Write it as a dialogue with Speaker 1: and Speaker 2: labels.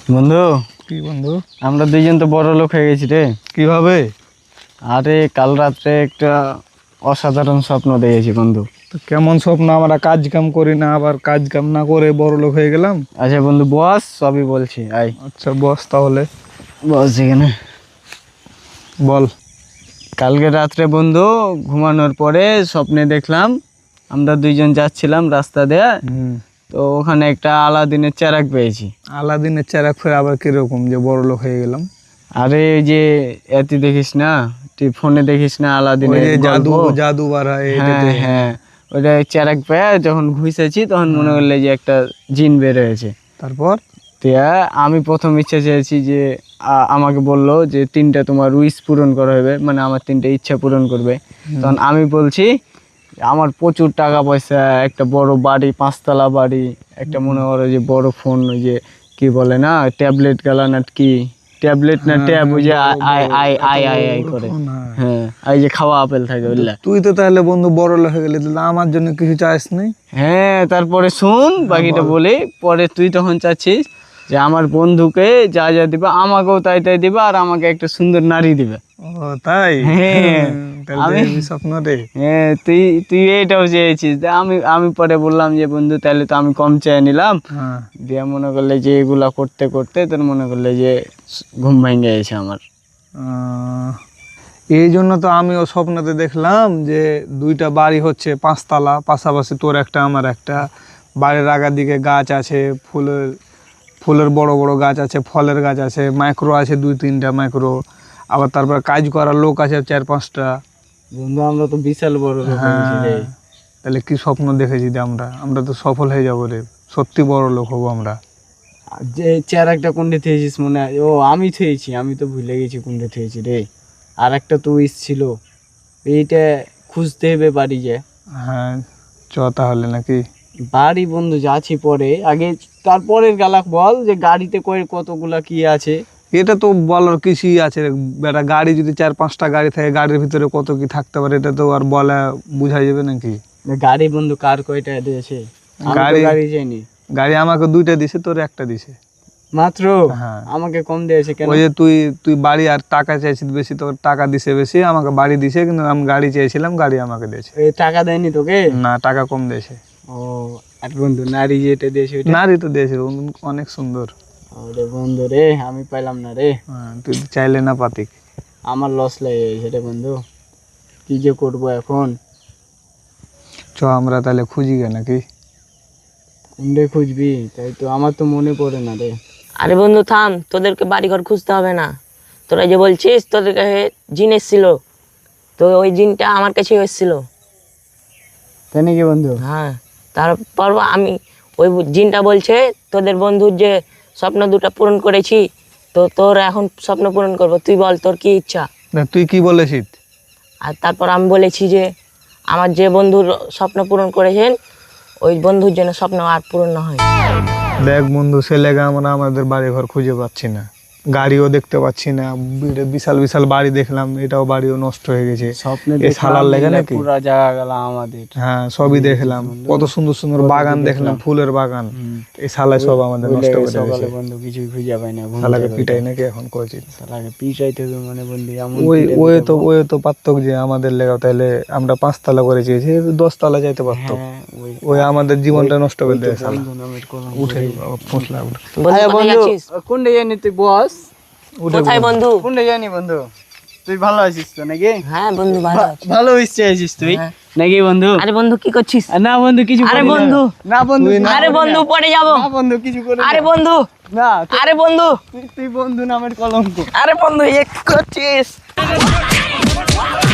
Speaker 1: বন্ধু,
Speaker 2: কি বন্ধু?
Speaker 1: আমরা দুইজন তো বড় লোক হয়ে গেছি রে।
Speaker 2: কিভাবে?
Speaker 1: আরে কাল রাত্রে একটা অসাধারণ স্বপ্ন দেখেছি বন্ধু।
Speaker 2: তো কেমন স্বপ্ন? আমরা কাজ কাম করি না, আবার কাজ কাম না করে বড় লোক হয়ে গেলাম।
Speaker 1: আচ্ছা বন্ধু বস, সবই বলছি। আই
Speaker 2: আচ্ছা বস, তাহলে
Speaker 1: বস এখানে।
Speaker 2: বল।
Speaker 1: কালকে রাত্রে বন্ধু ঘুমানোর পরে স্বপ্নে দেখলাম আমরা দুইজন যাচ্ছিলাম রাস্তা দিয়ে, তো ওখানে একটা আলাদিনের চেরাগ পেয়েছি।
Speaker 2: আলাদিনের চেরাগ ফের আবার কিরকম যে বড় লোক হয়ে গেলাম?
Speaker 1: আরে ওই যে এতি দেখিস না, তুই ফোনে দেখিস না
Speaker 2: ওই
Speaker 1: আলাদিনের
Speaker 2: যে জাদু
Speaker 1: গল্প?
Speaker 2: জাদু বার হয়
Speaker 1: হ্যাঁ
Speaker 2: এটাতে।
Speaker 1: হ্যাঁ, ওটা চেরাগ পেয়ে যখন ঘুষেছি তখন মনে করলে যে একটা জিন বের হয়েছে।
Speaker 2: তারপর
Speaker 1: তিয়া আমি প্রথম ইচ্ছা চেয়েছি যে আমাকে বললো যে 3টা তোমার উইশ পূরণ করা হবে, মানে আমার 3টা ইচ্ছা পূরণ করবে। তখন আমি বলছি আমার প্রচুর টাকা পয়সা, একটা বড় বাড়ি, 5তলা বাড়ি, একটা মনে করো যে বড় ফোন, ওই যে কি বলে না ট্যাবলেট গালা না কি, ট্যাবলেট না ট্যাব, ওই যে আই আই আই আই আই করে, হ্যাঁ এই যে খাওয়া আপেল থাকে ওইলা।
Speaker 2: তুই তো তাহলে বন্ধু বড় লোক হয়ে গেলি, তাহলে আমার জন্য কিছু চাস নাই?
Speaker 1: হ্যাঁ তারপরে শুন বাকিটা বলি, পরে তুই তখন চাচ্ছিস যে আমার বন্ধুকে যা যা দিবা আমাকেও তাই তাই দিবা, আর আমাকে একটা সুন্দর নারী দিবে।
Speaker 2: ও তাই?
Speaker 1: হ্যাঁ
Speaker 2: তাহলে এই স্বপ্ন রে।
Speaker 1: হ্যাঁ তুই তুই এইটাও চেয়েছিস। আমি পরে বললাম যে বন্ধু তাহলে তো আমি কম চেয়ে নিলাম।
Speaker 2: হ্যাঁ,
Speaker 1: দিয়ে মনে করলে যে এগুলা করতে করতে তোর মনে করলে যে ঘুম ভেঙে গেছে আমার।
Speaker 2: এই জন্য তো আমিও স্বপ্নতে দেখলাম যে 2টা বাড়ি হচ্ছে 5তলা পাশাপাশি, তোর একটা আমার একটা। বাড়ির আগার দিকে গাছ আছে, ফুলের ফুলের বড় বড় গাছ আছে, ফলের গাছ আছে, মাইক্রো আছে 2-3টা মাইক্রো, আবার তারপর কাজ করার লোক আছে 4-5টা।
Speaker 1: বন্ধু আমরা তো বিশাল বড় লোক হয়েছি রে।
Speaker 2: তাহলে কি স্বপ্ন দেখেছি যে আমরা আমরা তো সফল হয়ে যাবো রে, সত্যি বড় লোক হবো আমরা।
Speaker 1: আর যে চেয়ার একটা কোনটা থেয়েছিস মনে হয়? ও আমি থেয়েছি, আমি তো ভুলে গেছি কোনটা থেয়েছি রে। আর একটা তো উইশ ছিল, এইটা খুঁজতে হবে বাড়ি যে।
Speaker 2: হ্যাঁ চ তাহলে নাকি?
Speaker 1: বাড়ি বন্ধু যাচ্ছি পরে, আগে তারপরের গালাক বল যে গাড়িতে করে কতগুলা কি আছে।
Speaker 2: এটা তো বলার কিছুই আছে রে বেটা, গাড়ি যদি 4-5টা গাড়ি থাকে, গাড়ির ভিতরে কত কি থাকতে পারে এটা তো আর বলা বোঝা যাবে নাকি?
Speaker 1: গাড়ি বন্ধু কার কয়টা দিয়েছে?
Speaker 2: গাড়ি
Speaker 1: গাড়ি যায়নি।
Speaker 2: গাড়ি আমাকে 2টা দিছে, তোর একটা দিছে
Speaker 1: মাত্র?
Speaker 2: হ্যাঁ।
Speaker 1: আমাকে কম দিয়েছে কেন?
Speaker 2: ওই যে তুই তুই বাড়ি আর টাকা চাইছিস বেশি, তোর টাকা দিছে বেশি, আমাকে বাড়ি দিছে, কিন্তু আমি গাড়ি চেয়েছিলাম, গাড়ি আমাকে দিয়েছে।
Speaker 1: এই টাকা দেয়নি তোকে?
Speaker 2: না, টাকা কম দিয়েছে।
Speaker 1: ও আর বন্ধু নারী যেটা দিয়েছে ওইটা?
Speaker 2: নারী তো দিয়েছে, অনেক সুন্দর।
Speaker 1: ওরে বন্ধু রে, আমি পাইলাম না রে।
Speaker 2: হ্যাঁ, তুই তো চাইলে না পাতিক।
Speaker 1: আমার লস লেগে গেছে রে বন্ধু, কি যে করবো এখন।
Speaker 2: চ আমরা তাহলে খুঁজি গে নাকি?
Speaker 1: কোনটা খুঁজবি? তাই তো আমার তো মনে পড়ে না রে।
Speaker 3: আরে বন্ধু থাম, তোদেরকে বাড়িঘর খুঁজতে হবে না। তোরা যে বলছিস তোদের কাছে জিন এসেছিল, তো ওই জিনটা আমার কাছে এসেছিল।
Speaker 1: তাই নাকি বন্ধু?
Speaker 3: হ্যাঁ, তারপর আমি ওই জিনটা বলছে তোদের বন্ধুর যে স্বপ্ন 2টা পূরণ করেছি, তো তোর এখন স্বপ্ন পূরণ করবো। তুই বল তোর কি ইচ্ছা?
Speaker 2: না, তুই কি বলেছিস?
Speaker 3: আর তারপর আমি বলেছি যে আমার যে বন্ধুর স্বপ্ন পূরণ করেছেন, ওই বন্ধুর জন্য স্বপ্ন আর পূরণ না হয়।
Speaker 2: দেখ বন্ধু, সে লেগে আমরা আমাদের বাড়ি ঘর খুঁজে পাচ্ছি না, গাড়িও দেখতে পাচ্ছি না। বিশাল বিশাল বাড়ি দেখলাম, এটাও বাড়িও নষ্ট হয়ে গেছে।
Speaker 1: স্বপ্নে
Speaker 2: এই শালার লেগে নাকি?
Speaker 1: পুরা জায়গা গেল আমাদের।
Speaker 2: হ্যাঁ সবই দেখলাম, কত সুন্দর সুন্দর বাগান দেখলাম, ফুলের বাগান। এই শালা সব আমাদের নষ্ট করে
Speaker 1: সকালে
Speaker 2: দিয়েছে।
Speaker 1: বন্ধু কিছুই খুঁজে পাই না।
Speaker 2: শালাকে পিটাই নাকি এখন করছি?
Speaker 1: শালাকে পিটাইতে হবে মানে বন্ধু এমন
Speaker 2: ওই ওই তো পারতক যে আমাদের লেগে, তাহলে আমরা 5তলা করে চেয়েছি, 10তলা যাইতে পারতো। ওই আমাদের জীবনটা নষ্ট করে দেয় শালা। উঠে ফসলা উঠে।
Speaker 3: বন্ধু কোথায় যাচ্ছিস?
Speaker 1: কোনটা জানি তুই বস?
Speaker 3: কোথায় বন্ধু?
Speaker 1: কোনটা জানি বন্ধু? তুই ভালো আছিস তো নাকি?
Speaker 3: হ্যাঁ বন্ধু ভালো আছি।
Speaker 1: ভালো ইচ্ছে আছিস তুই নাকি বন্ধু?
Speaker 3: আরে বন্ধু কি করছিস?
Speaker 1: না বন্ধু কিছু
Speaker 3: আরে
Speaker 1: করি না।
Speaker 3: বন্ধু।
Speaker 1: না বন্ধু,
Speaker 3: আরে বন্ধু পড়ে যাবো।
Speaker 1: না বন্ধু কিছু করি না।
Speaker 3: আরে বন্ধু,
Speaker 1: না
Speaker 3: আরে বন্ধু,
Speaker 1: তুই বন্ধু নামের কলঙ্ক।
Speaker 3: আরে বন্ধু এক করছিস।